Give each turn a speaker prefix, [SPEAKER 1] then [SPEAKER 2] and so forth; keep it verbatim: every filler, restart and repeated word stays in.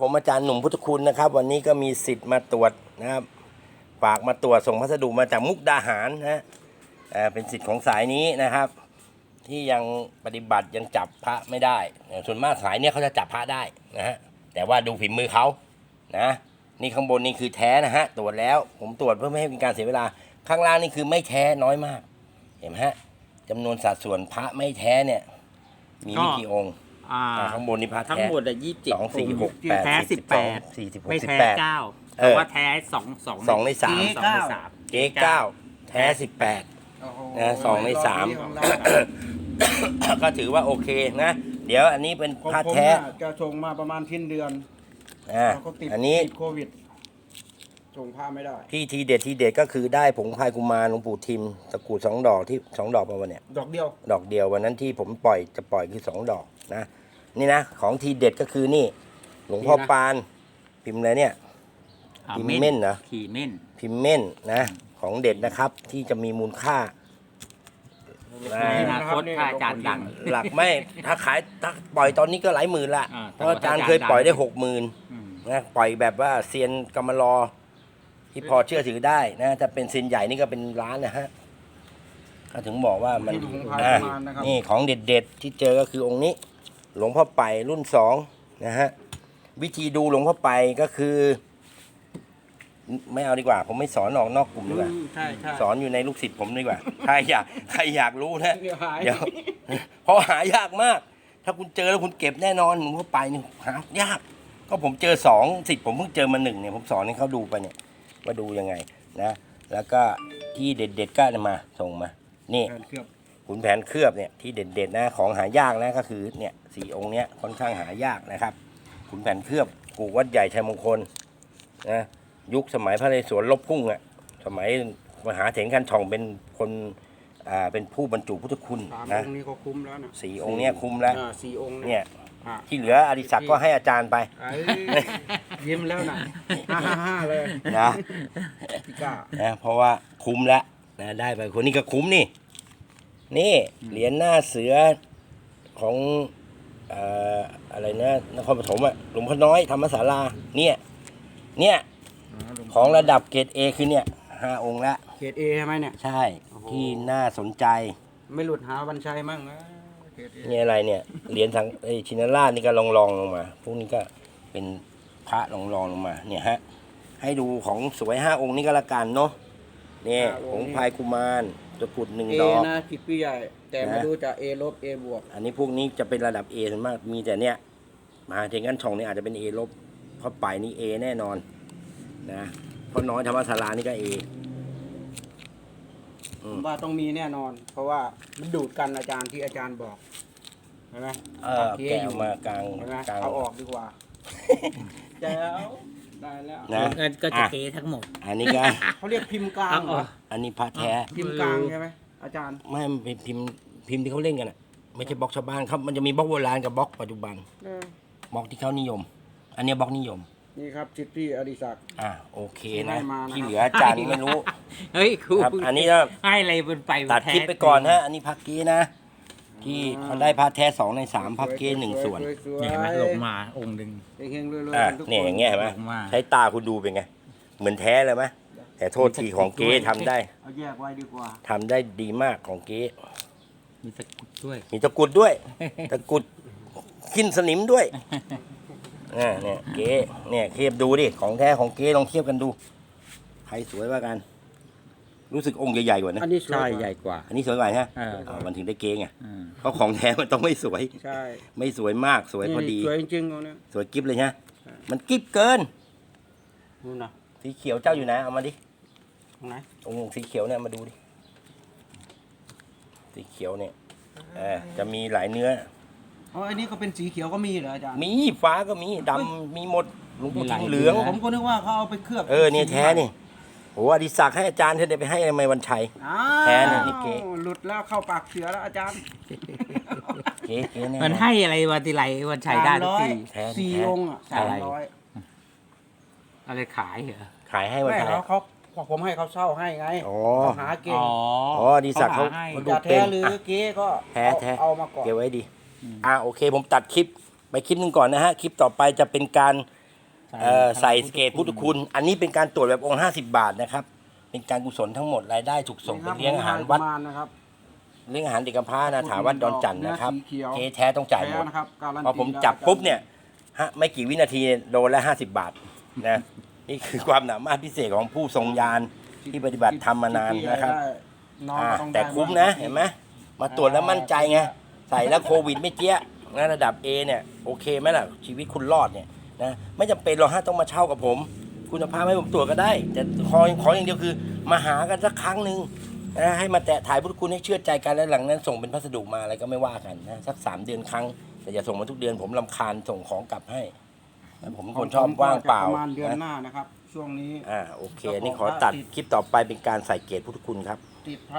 [SPEAKER 1] ผมอาจารย์หนุ่มพุทธคุณนะครับวันนี้ก็มีสิทธิ์มาตรวจนะครับฝากมาตรวจส่งพัสดุมาจากมุกดาหารนะเป็นสิทธิ์ของสายนี้นะครับที่ยังปฏิบัติยังจับพระไม่ได้ส่วนมากสายเนี้ยเขาจะจับพระได้นะฮะแต่ว่าดูฝีมือเขานะนี่ข้างบนนี่คือแท้นะฮะตรวจแล้วผมตรวจเพื่อไม่ให้เป็นการเสียเวลาข้างล่างนี่คือไม่แท้น้อยมากเห็นไหมฮะจำนวนสัดส่วนพระไม่แท้เนี่ยมีไม่กี่องค์ข้างบนนี่พระแท้
[SPEAKER 2] ทั้งหมดอ่ะยี่สิบเจ็ด
[SPEAKER 1] สองสี่หกแปด
[SPEAKER 2] แท้สิบแปด
[SPEAKER 1] สี่สิบหก
[SPEAKER 2] ไม่
[SPEAKER 1] สิบ
[SPEAKER 2] แท้
[SPEAKER 1] แปด
[SPEAKER 2] เก้าแต่ว่าแท้สองสอง
[SPEAKER 1] สองในสาม
[SPEAKER 2] สองในสาม
[SPEAKER 1] เก๊เก้าแท้สิบแปดนะสองในสามก็ถือว่าโอเคนะเดี๋ยวอันนี้เป็นพระแท้
[SPEAKER 3] จะส่งมาประมาณทิ้นเดือน
[SPEAKER 1] อ่าอันนี้
[SPEAKER 3] โควิดส่งผ้าไม่ได้
[SPEAKER 1] ที่ทีเด็ดทีเด็ดก็คือได้ผงพายกุมารหลวงปู่ทิมตะกรุดสองดอกที่สองดอกมาวันเนี้ย
[SPEAKER 3] ดอกเดียว
[SPEAKER 1] ดอกเดียววันนั้นที่ผมปล่อยจะปล่อยคือสองดอกนะนี่นะของทีเด็ดก็คือนี่หลวงพ่อปานพิมพ์อะไรเนี่ยพิมพ์เม่นนะ
[SPEAKER 2] พิมพ์เม่น
[SPEAKER 1] พิมพ์เม่นนะของเด็ดนะครับที่จะมีมูลค่า
[SPEAKER 2] อนาคตถ้าอาจารย์ดัง
[SPEAKER 1] หลักไม่ถ้าขายถ้าปล่อยตอนนี้ก็หลายหมื่นละเพราะอาจารย์เคยปล่อยได้หกหมื่นนะปล่อยแบบว่าเซียนกำมะลอที่พอเชื่อถือได้นะถ้าเป็นเซียนใหญ่นี่ก็เป็นล้านนะฮะก็ถึงบอกว่ามันนี่ของเด็ดๆที่เจอก็คือองค์นี้หลวงพ่อไปรุ่นสองนะฮะวิธีดูหลวงพ่อไปก็คือไม่เอาดีกว่าผมไม่สอนออกนอกกลุ่มดีกว่าสอนอยู่ในลูกศิษย์ผมดีกว่าใครอยากใครอยากรู้นะเดี๋ยวเพราะหายากมากถ้าคุณเจอแล้วคุณเก็บแน่นอนหลวงพ่อไปนี่หายากก็ผมเจอสองสิทธิ์ผมเพิ่งเจอมาหนึ่งเนี่ยผมสอนให้เขาดูไปเนี่ยว่าดูยังไงนะแล้วก็ที่เด็ดๆก็มาส่งมานี่ขุนแผนเคลือบเนี่ยที่เด็ดๆนะของหายากนะก็คือเนี่ยสี่องค์เนี้ยค่อนข้างหายากนะครับขุนแผนเคลือบกูวัดใหญ่ชัยมงคลนะยุคสมัยพระนเรศวรลบพุ่งอ่ะสมัยมหาเถรคันทองเป็นคนอ่าเป็นผู้บรรจุพุทธคุณนะ
[SPEAKER 3] องค์นี้ก็คุ้มแล้วนะ
[SPEAKER 1] สี่องค์เนี้ยคุ้มแล้ว
[SPEAKER 3] สี่องค์
[SPEAKER 1] เนี่ยที่เหลืออดิศักดิ์ก็ให้อาจารย์ไป
[SPEAKER 3] ยิ้มแล้วนะห้าห้าเลย
[SPEAKER 1] นะนะเพราะว่าคุ้มแล้วนะได้ไปคนนี้ก็คุ้มนี่นี่เหรียญหน้าเสือของอ่าอะไรนะนครปฐมอ่ะหลวงพ่อน้อยธรรมศาลาเนี่ยเนี่ยของระดับเกรดเอคือเนี่ยห้าองค์ละ
[SPEAKER 3] เกรดเอใช่ไหมเนี่ย
[SPEAKER 1] ใช่ที่น่าสนใจ
[SPEAKER 3] ไม่หลุดหาวันชัยมั่งนะ
[SPEAKER 1] นี่อะไรเนี่ยเหรียญสังไอชินราชนี่ก็ลองลองลงมาพวกนี้ก็เป็นพระลองลองลงมาเนี่ยฮะให้ดูของสวยห้าองค์นี้ก็ละกันเนาะเนี่ยผงพายกุมารตะกรุดหนึ่งดอก
[SPEAKER 3] นะผิดพี่ใหญ่แต่มาดูจาก A ลบ A บวก
[SPEAKER 1] อันนี้พวกนี้จะเป็นระดับ A ส่วนมากมีแต่เนี่ยมาเทงันช่องนี่อาจจะเป็น A ลบเพราะไปนี่ A แน่นอนนะเพราะน้อยธรรมศาลานี่ก็ A
[SPEAKER 3] ผมว่าต้องมีแน่นอนเพราะว่ามันดูดกันอาจารย์ที่อาจารย์บอกเห็นไหม
[SPEAKER 1] เออแกะมากลาง
[SPEAKER 3] กลางเอาออกดีกว่าแจ๋วได้แล้ว
[SPEAKER 2] นะก็จะเกทั้งหมด
[SPEAKER 1] อันนี้ก็
[SPEAKER 3] เขาเรียกพิมพ์กลาง
[SPEAKER 1] อันนี้พระแท้
[SPEAKER 3] พิมพ์กลางใช่ไหมอาจารย์
[SPEAKER 1] ไม่เป็นพิมพ์พิมพ์ที่เขาเล่นกันอ่ะไม่ใช่บล็อกชาวบ้านครับมันจะมีบล็อกโบราณกับบล็อกปัจจุบันบล็อกที่เขานิยมอันนี้บล็อกนิยม
[SPEAKER 3] นี่ครับจิตที่อดิศักดิ์
[SPEAKER 1] อ่าโอเคนะที่เหลืออาจารย์ไม่รู้
[SPEAKER 2] เฮ้ยครู
[SPEAKER 1] อันนี้ก็
[SPEAKER 2] ให้อะไรบนไป
[SPEAKER 1] ตัดคลิปไปก่อนฮะอันนี้พักกี้นะที่เขาได้พระแท้สองในสามพักกี้หนึ่งส่วน
[SPEAKER 2] เนี่ยเห็นไหมลงมาองค์หนึ่ง
[SPEAKER 1] อ่าเนี่ยอย่างเงี้ยเห็นไหมใช้ตาคุณดูเป็นไงเหมือนแท้เลยไหมแต่โทษทีของเก๊ทำได้
[SPEAKER 3] เอาแยกไว้ดีกว่า
[SPEAKER 1] ทำได้ดีมากของเก๊
[SPEAKER 2] มีตะกุดด้วย
[SPEAKER 1] มีตะกุดด้วยตะกุดขึ้นสนิมด้วยเนี่ยเนี่ยเก๊เนี่ยเทียบดูดิของแท้ของเก๊ลองเทียบกันดูใครสวยว่ากันรู้สึกองค์ใหญ่ๆกว่านะ
[SPEAKER 3] อันนี้
[SPEAKER 2] ใช่ใหญ่กว่า
[SPEAKER 1] อันนี้สวยกว่าใช่ไหมมันถึงได้เก๊ไงเพราะของแท้มันต้องไม่สวย
[SPEAKER 3] ใช่
[SPEAKER 1] ไม่สวยมากสวยพอดี
[SPEAKER 3] สวยจริงๆเอาเนี่ย
[SPEAKER 1] สวยกิ๊บเลยใช่มันกิ๊บเกิน
[SPEAKER 3] นู่นนะ
[SPEAKER 1] สีเขียวเจ้าอยู่ไหนเอามาดิ
[SPEAKER 3] ตรงไหน
[SPEAKER 1] องค์สีเขียวเนี่ยมาดูดิสีเขียวเนี่ยเออจะมีหลายเนื้อ
[SPEAKER 3] อ๋ออันนี้ก็เป็นสีเขียวก็มีเหรออาจารย์
[SPEAKER 1] มีฟ้าก็มีดำมีหมดหลวงปู่ทิมเหลือง
[SPEAKER 3] ผมก็นึกว่าเขาเอาไปเคลือบ
[SPEAKER 1] เออเนี่ยแท้นี่โอ้อดิศักดิ์ให้อาจารย์เธอได้ไปให้ทำไมวันชัยแท้เนี่ยนี่เก๋
[SPEAKER 3] หลุดแล้วเข้าปากเสือแล้วอาจารย์
[SPEAKER 1] เก๋เก๋เนี่ย
[SPEAKER 2] มันให้อะไรวันทีไรวันชัยได้ทุกที
[SPEAKER 3] สี่องค์อ่ะสามร้อย
[SPEAKER 2] อะไรขายเหรอ
[SPEAKER 1] ขายให้วันชัย
[SPEAKER 3] เขาผมให้เขาเช่าให้ไงเขาหาเก่ง
[SPEAKER 1] อ๋ออดิศักดิ์เขา
[SPEAKER 3] ดูเป็นหรือเก๋ก็
[SPEAKER 1] แท้แท้
[SPEAKER 3] เอามาก่อน
[SPEAKER 1] เก็บไว้ดีอ่าโอเคผมตัดคลิปไปคลิปนึงก่อนนะฮะคลิปต่อไปจะเป็นการเอ่อใส่เกตพุทธคุณ อันนี้เป็นการตรวจแบบองค์ห้าสิบบาทนะครับ เป็นการกุศลทั้งหมดรายได้ถูกส่งไปเลี้ยงอาหารวัด
[SPEAKER 3] นะครับ
[SPEAKER 1] เลี้ยงอาหารเด็กกำพร้านะถาวัดดอนจันทร์นะครับ
[SPEAKER 3] เนื้อสีเขียว
[SPEAKER 1] เกแท้ต้องจ่ายหมด
[SPEAKER 3] แท้นะครับการันตี
[SPEAKER 1] พอผมจับปุ๊บเนี่ยฮะไม่กี่วินาทีโดนละห้าสิบบาทนะนี่คือความสามารถพิเศษของผู้ทรงญาณที่ปฏิบัติธรรมมานานนะครับ
[SPEAKER 3] น้อง
[SPEAKER 1] อ่า
[SPEAKER 3] ก็ต้อง
[SPEAKER 1] แต่
[SPEAKER 3] ได้
[SPEAKER 1] คุ้มนะเห็นไหมมาตรวจแล้วมั่นใจไงใส่แล้วโควิดไม่เจี๊ยะนะระดับ A เนี่ยโอเคไหมล่ะชีวิตคุณรอดเนี่ยนะไม่จำเป็นหรอกฮะต้องมาเช่ากับผม คุณภาพให้ผมตรวจก็ได้ แต่ขอขออย่างเดียวคือมาหากันสักครั้งหนึ่งนะให้มาแตะถ่ายพุทธคุณให้เชื่อใจกันแล้วหลังนั้นส่งเป็นพัสดุมาอะไรก็ไม่ว่ากันนะสักสามเดือนครั้งแต่อย่าส่งมาทุกเดือนผมรำคาญส่งของกลับให้นะผมเป็นคนชอบว่างเปล่า
[SPEAKER 3] ประมาณเดือนห
[SPEAKER 1] นะ
[SPEAKER 3] น้านะครับ ช่วงนี้
[SPEAKER 1] อ่าโอเคอันนี่ขอตัดคลิปต่อไปเป็นการใส่เกตพุทธคุณครับ
[SPEAKER 3] ติด